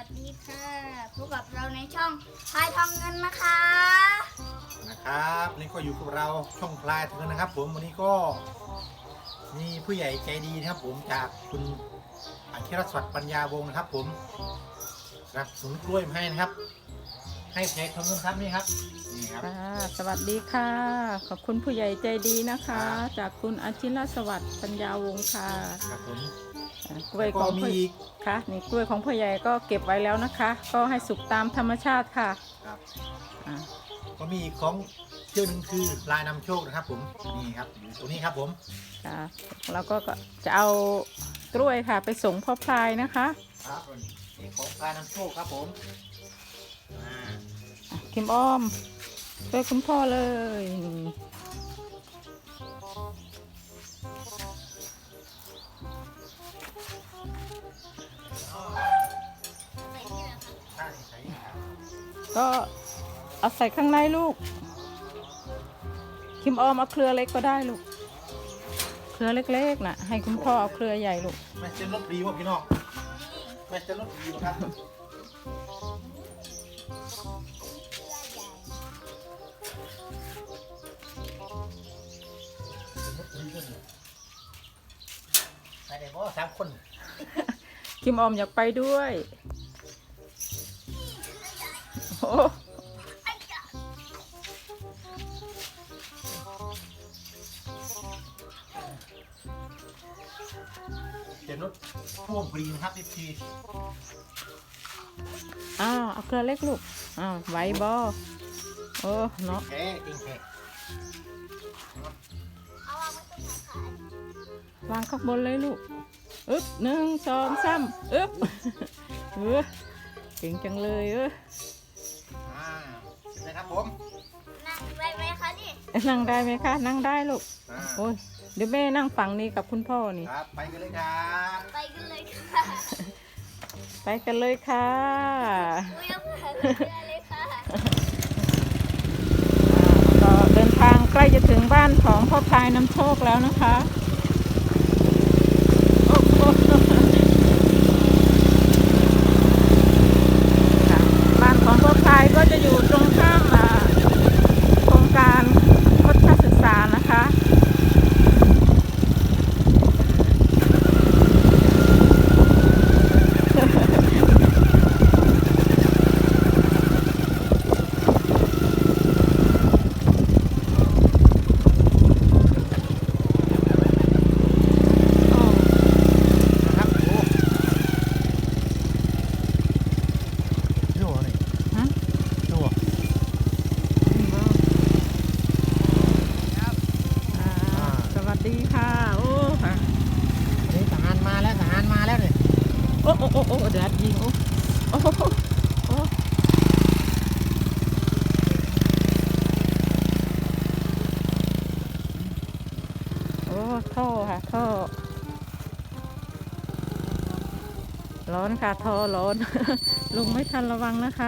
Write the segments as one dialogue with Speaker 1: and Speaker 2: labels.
Speaker 1: วัสดีค่ะพบกับเราในช่องพายทองเงินนะคะ
Speaker 2: นะครับนี่ก็อยู่กับเราช่องพลายทองเงินนะครับผมวันนี้ก็มีผู้ใหญ่ใจดีนะครับผมจากคุณอาคิรสวัสดิ์ปัญญาวงศ์นะครับผมรับสวนกล้วยมาให้นะครับให้เพจทองเงินครับนี่ครับนี่ครับ
Speaker 3: สวัสดีค่ะขอบคุณผู้ใหญ่ใจดีนะคะ จากคุณอาชิรสวัสดิ์ปัญญาวงศ์ค่ะ
Speaker 2: ครับผม
Speaker 3: กล้วยของ
Speaker 2: มีอีก
Speaker 3: ค่ะนี่กล้วยของผู้ใหญ่ก็เก็บไว้แล้วนะคะ ก็ให้สุกตามธรรมชาติค่ะ
Speaker 2: ครับ
Speaker 3: อ่า
Speaker 2: ก็มีอีกของเชื่อหนึ่งคือลายนำโชคนะครับผมนี่ครับอยู่ตัวนี้ครับผม
Speaker 3: ค่ะแล้วก็จะเอากล้วยค่ะไปส่งพ่อพลายนะคะ
Speaker 2: ครับนี่ของลายนำโชคครับผมอ่า
Speaker 3: คิมอ้อมช่วยคุณพ่อเลยก็เอาใส่ข้างในลูกคิมอ้อมเอาเครือเล็กก็ได้ลูกเครือเล็กๆน่ะให้คุณพ่อเอาเครือใหญ่ลูก
Speaker 2: แม่จะลดดีวะพี่น้องแม่จะลดดีวะครับไปไหนบ่สามคน
Speaker 3: คิมออมอยากไปด้วยโอ้
Speaker 2: เดี๋ยวนุชพ่วงพอดีนะครับที
Speaker 3: เอาเครือเล็กลูกไหวบอโอ้เนาะ
Speaker 2: แค่จริงแค่
Speaker 3: วางข้างบนเลยลูกอึ๊บ1 2 3อึ๊บเก่งจังเลย
Speaker 2: เสร็จเลยครับผม
Speaker 1: นั่งได้ไหมคะนี่
Speaker 3: นั่งได้ไหมคะนั่งได้ลูก
Speaker 2: อ่า
Speaker 3: โอ้ยเดี๋ยวแม่นั่งฝั่งนี้กับคุณพ่อนี่
Speaker 2: ครับไปกันเลยครับ
Speaker 1: ไปกันเลยค่ะ
Speaker 3: ไปกันเลยค่ะ
Speaker 1: อุ้ยเอาผ่านเรือเลยค่ะ
Speaker 3: ก็เดินทางใกล้จะถึงบ้านของพ่อพลายน้ำโชคแล้วนะคะโอ้โหค่ะบ้านของพ่อพลายก็จะอยู่ตรงข้ามโครงการพุทธศึกษานะคะ
Speaker 2: ครับโอ้ดูอะไร
Speaker 3: ฮะ
Speaker 2: ดู
Speaker 3: สวัสดีค่ะโอ้ค่ะ
Speaker 2: นี่ทหารมาแล้วทหารมาแล้วเนี่ย
Speaker 3: โอ้โอ้โอ้โอ้เดือดยิงโอ้โอ้โอ้โอ้ท่อค่ะท่อร้อนค่ะท่อร้อน ลุงไม่ทันระวังนะคะ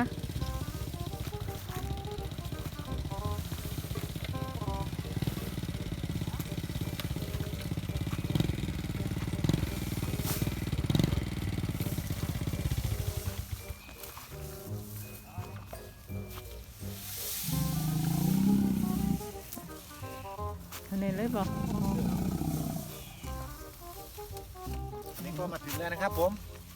Speaker 3: อันนี้เลยบอก
Speaker 2: นี่ก็มาถึงแล้วนะครับผม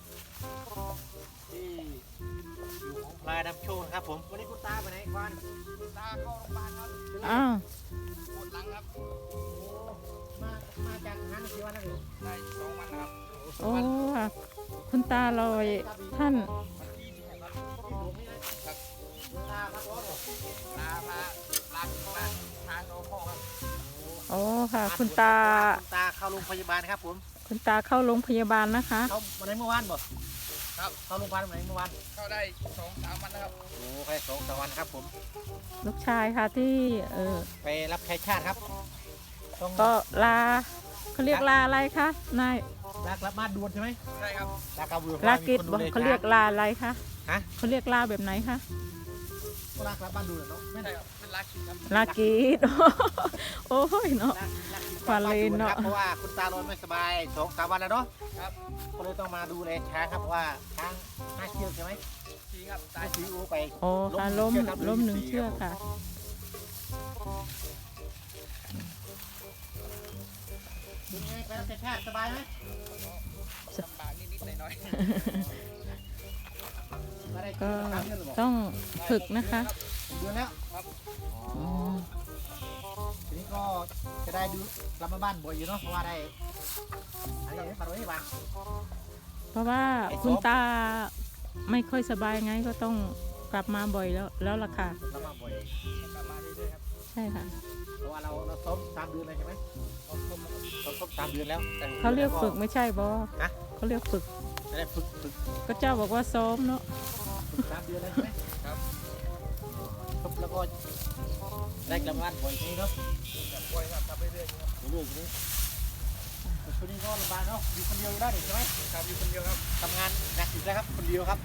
Speaker 2: ที่อยู่ของพลายนำโชคนะครับผมวันนี้คุณตาไปไหนควันคุณตาเข้าโรงพยาบาลครับ
Speaker 3: อ้าว
Speaker 2: ปวดหลังครับมาจากทหารกี่วันแล้วเนี่ยได้2 วันครับ
Speaker 3: โอ้ค่ะคุณตาลอยท่าน
Speaker 2: ลาครับผมลาถึงบ้านทางโน้นครับ
Speaker 3: โอ้ค่ะคุณตา
Speaker 2: คุณตาเข้าโรงพยาบาลครับผม
Speaker 3: คุณตาเข้าโรงพยาบาลนะคะ
Speaker 2: เข้าวันไหนเมื่อวานบ่ครับเข้าโรงพยาบาลวันไหนเมื่อวาน
Speaker 4: เข้าได้2-3 วันนะครับ
Speaker 2: โอ้แค่2-3 วันครับผม
Speaker 3: ลูกชายค่ะที่
Speaker 2: ไปรับใช้ชาติครับต้อง
Speaker 3: ก็ลาเขาเรียกลาอะไรคะนาย
Speaker 2: ลากลับบ้านด่วนใช่ไหม
Speaker 4: ใช่ครับ
Speaker 2: ลากลับด่วน
Speaker 3: ลากิจ
Speaker 2: มีคน
Speaker 3: บอก
Speaker 2: ดูแล
Speaker 3: เขาเรียกลาอะไรคะ
Speaker 2: ฮะ
Speaker 3: เขาเรียกลาแบบไหนคะ
Speaker 2: ก็ลากลับบ้านด่วนเนาะไม่
Speaker 4: ใช่
Speaker 2: ได้
Speaker 4: ครับเป็นรักคิดครับ
Speaker 3: ลากีด โอ้ยเนาะ
Speaker 2: ลาก
Speaker 3: ควานเลนเนาะ
Speaker 2: เพราะว่าคุณตาลอยไม่สบาย2-3 วันแล้วเนาะ
Speaker 4: ครับ
Speaker 2: ก็เลยต้องมาดูแลช้างครับเพราะว่าช้าง5 เชือกใช่ไหม
Speaker 4: ทีครับ
Speaker 2: ตายสีอูไป
Speaker 3: โอ้ค่ะล้ม
Speaker 2: เชือกครับ
Speaker 3: ล้ม1 เชือกค่ะ
Speaker 2: เป็นไงไปรับใช้ชาติสบายไหม
Speaker 4: ลำบากนิดๆหน่อย
Speaker 2: มาได้
Speaker 3: ก็
Speaker 2: 3 เดือนหรือเปล่า
Speaker 3: ต้อง
Speaker 4: ๆ
Speaker 3: ฝึกนะคะ
Speaker 2: เดือนแล้ว
Speaker 4: ครับ
Speaker 3: อืม
Speaker 2: ทีนี้ก็จะได้ดูกลับมาบ้านบ่อยอยู่เนาะเพราะว่าได้อันนี้มาไว้ที่บ้าน
Speaker 3: เพราะว่าคุณตาไม่ค่อยสบายไงก็ต้องกลับมาบ่อยแล้วล่ะค่ะ
Speaker 2: กลับมาบ่อย
Speaker 4: กลับมาเรื่อยๆครับ
Speaker 3: ใช่ค่ะ
Speaker 2: เพราะว่าเราซ้อม3 เดือนเลยใช่ไหมเราซ้อม3 เดือนแล้วแต่
Speaker 3: เขาเรียกฝึกไม่ใช่บอ
Speaker 2: ฮะ
Speaker 3: เขาเรียกฝึก
Speaker 2: จะได้ฝึก
Speaker 3: ก็เจ้าบอกว่าซ้อมเนาะ
Speaker 2: 3 เดือนแล้วใช่ไหม
Speaker 4: ครับ
Speaker 2: ครับแล้วก็ได้กลับมาบ้านบ่อยทีเนาะ
Speaker 4: แบบป่วยครับทำเรื่อยๆครับ
Speaker 2: เรื่อยๆทีนี้แต่ช่วงนี้ก็ลำบากเนาะอยู่คนเดียวอยู่ได้ใช่ไหม
Speaker 4: ครับอยู่คนเดียวครับ
Speaker 2: ทำงานหนักอีกแล้วครับคนเดียวครับผม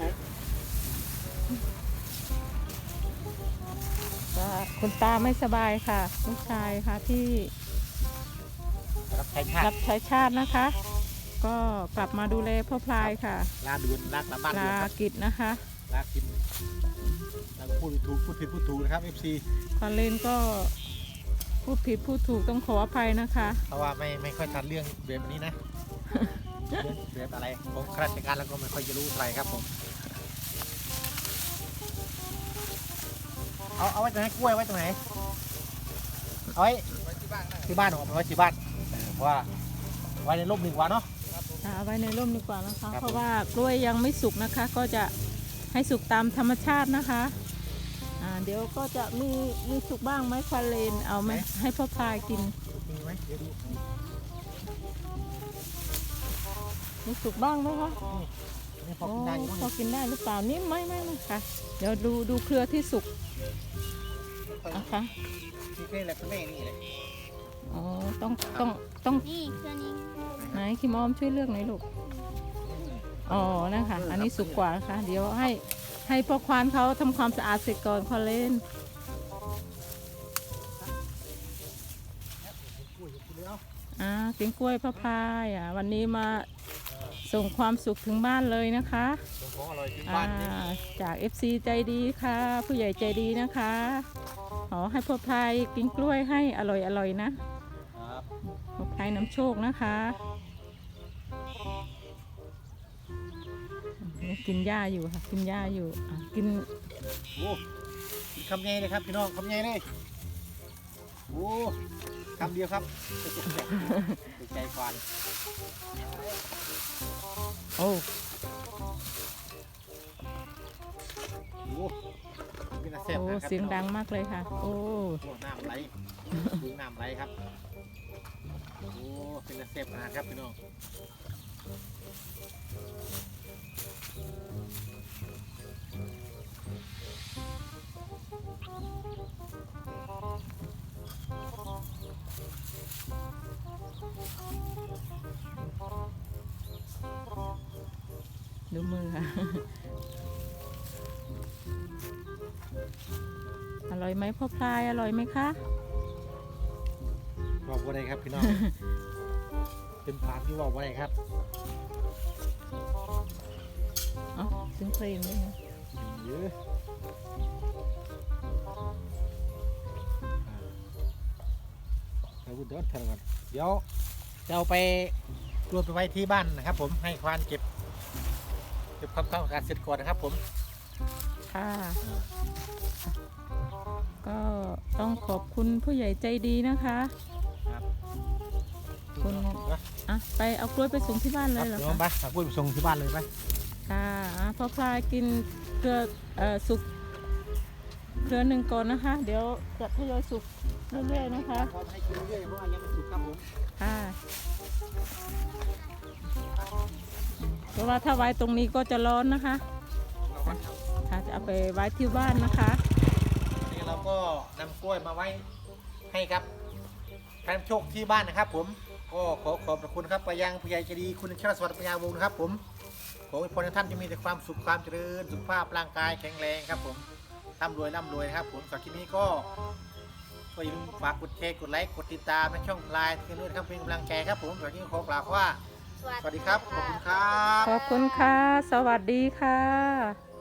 Speaker 3: ว่าคุณตาไม่สบายค่ะลูกชายค่ะที่
Speaker 2: รับใช้ชา
Speaker 3: รั
Speaker 2: ติ
Speaker 3: บใช้ชาตินะคะ ก็กลับมาดูแลพ่อพลายค่ะ
Speaker 2: ลาด่วนลากลับบ้าน
Speaker 3: ลา
Speaker 2: ด่วนครับ
Speaker 3: กิจนะคะ
Speaker 2: ลากินแล้วก็พูดถูกพูดผิดพูดถูกนะครับ FC
Speaker 3: ควานเลนก็พูดผิดพูดถูกต้องขออภัยนะคะ
Speaker 2: เพราะว่าไม่ค่อยทันเรื่องแบบนี้นะ เรื่องแบบอะไรของข้าราชการแล้วก็ไม่ค่อยจะรู้อะไรครับผมเอาไว้ตรงไหนกล้วยไว้ตรงไหนเอาไว้
Speaker 4: ไว้ที่บ้านได้
Speaker 2: ที่บ้านผมเอาไว้ที่บ้านเพราะว่าไว้ในร่มหนึ่งวันเนาะ
Speaker 4: ครับผม
Speaker 3: เอาไว้ในร่มดีกว่านะคะ
Speaker 2: ครับ
Speaker 3: เพราะว่ากล้วยยังไม่สุกนะคะ ก็จะให้สุกตามธรรมชาตินะคะเดี๋ยวก็จะมีสุกบ้างไหมควานเลนเอาไหมให้พ่อพลายกิน
Speaker 2: มีไหมเดี๋ยวดู
Speaker 3: มีสุกบ้างไหมคะ
Speaker 2: นี่พอ
Speaker 3: โอ้
Speaker 2: กินได้อยู่
Speaker 3: พอ
Speaker 2: มั้ง
Speaker 3: กินได้หรือเปล่านี่ไม่ค่ะ เดี๋ยวดูเครือที่สุกนะคะ
Speaker 2: นี่แค่แหละคุณแม่นี่แหละ
Speaker 3: อ๋อต้อง
Speaker 1: นี่เครื่องนี้
Speaker 3: ไหนคิมออมช่วยเลือกหน่อยลูกอ๋อนะคะอันนี้สุกกว่านะคะเดี๋ยวให้พ่อควานเขาทำความสะอาดเสร็จก่อนควานเลน
Speaker 2: กุ้ยกินเลยเอา
Speaker 3: กินกล้วยพ่อพลายวันนี้มาส่งความสุขถึงบ้านเลยนะคะ
Speaker 2: ส่งของอร่อยถึงบ้านนี่
Speaker 3: จาก FC ใจดีค่ะ ผู้ใหญ่ใจดีนะคะขอให้พ่อพลายกินกล้วยให้อร่อยนะครับ พ่อพลายน้ำโชคนะคะกินหญ้าอยู่ค่ะกินหญ้าอยู่กิน
Speaker 2: โอ้กินคำใหญ่เลยครับพี่น้องคำใหญ่เลยโอ้คำเดียวครับติดใจควาน
Speaker 3: โอ้
Speaker 2: โอ้เป็นอาเซียน
Speaker 3: โอ้
Speaker 2: นะครับ
Speaker 3: เสียงดังมากเลยค่ะ โอ้
Speaker 2: โอ้น้ำไหลดูน้ำไหลครับโอ้เป็นอาเซียนนะครับพี่น้อง
Speaker 3: ดูมือค่ะ อร่อยไหมพ่อพลายอร่อยไหมคะ
Speaker 2: บอกว่าอะไรครับพี่น้อง เป็นผ่านที่บอกว่าอะไรครับ
Speaker 3: อ๋อเสียงเพลงด้วยนะ
Speaker 2: เยอะเราพูดเดินเถอะก่อนเดี๋ยวจะเอาไปรวมไปไว้ที่บ้านนะครับ ผมให้ควานเก็บความต้องการเสร็จก่อนนะครับ ผม
Speaker 3: ค่ะ ก็ต้องขอบคุณผู้ใหญ่ใจดีนะคะ
Speaker 2: ครับ
Speaker 3: คุณ ไปเอากล้วยไปส่งที่บ้านเลยเหรอ
Speaker 2: เดี๋ยว
Speaker 3: คะ
Speaker 2: ไปหากุ้ยไปส่งที่บ้านเลยไป
Speaker 3: ค่ะพ่อพลายกินเครือสุกเครือหนึ่งก่อนนะคะ เดี๋ยวจะทยอยสุกเรื่อยๆนะคะ
Speaker 2: พอให้กินเรื่อยๆเพราะว่ายังไม่สุกครับผม
Speaker 3: ค่ะเพราะว่าถ้าไว้ตรงนี้ก็จะร้อนนะคะ
Speaker 4: เราวัดครับ
Speaker 3: ค่ะจะเอาไปไว้ที่บ้านนะคะ
Speaker 2: นี่เราก็นำกล้วยมาไว้ให้ครับแฟนโชคที่บ้านนะครับ ผมก็ขอขอบพระคุณครับไปยังผู้ใหญ่ใจดีคุณชรสวัสดิ์ปัญญาวงศ์นะครับ ผมขอให้พรท่านจะมีแต่ความสุขความเจริญสุขภาพร่างกายแข็งแรงครับ ผมร่ำรวยนะครับ ผมสำหรับคลิปนี้ก็ก็อย่าลืมฝากกดแชร์กดไลค์กดติดตามในช่องพลายเทนด้วยนะครับเป็นกำลังใจครับผมวันนี้ขอกล่าวว่าสวัสดีครับขอบคุณครับ
Speaker 3: ขอบคุณค่ะ สวัสดีค่ะ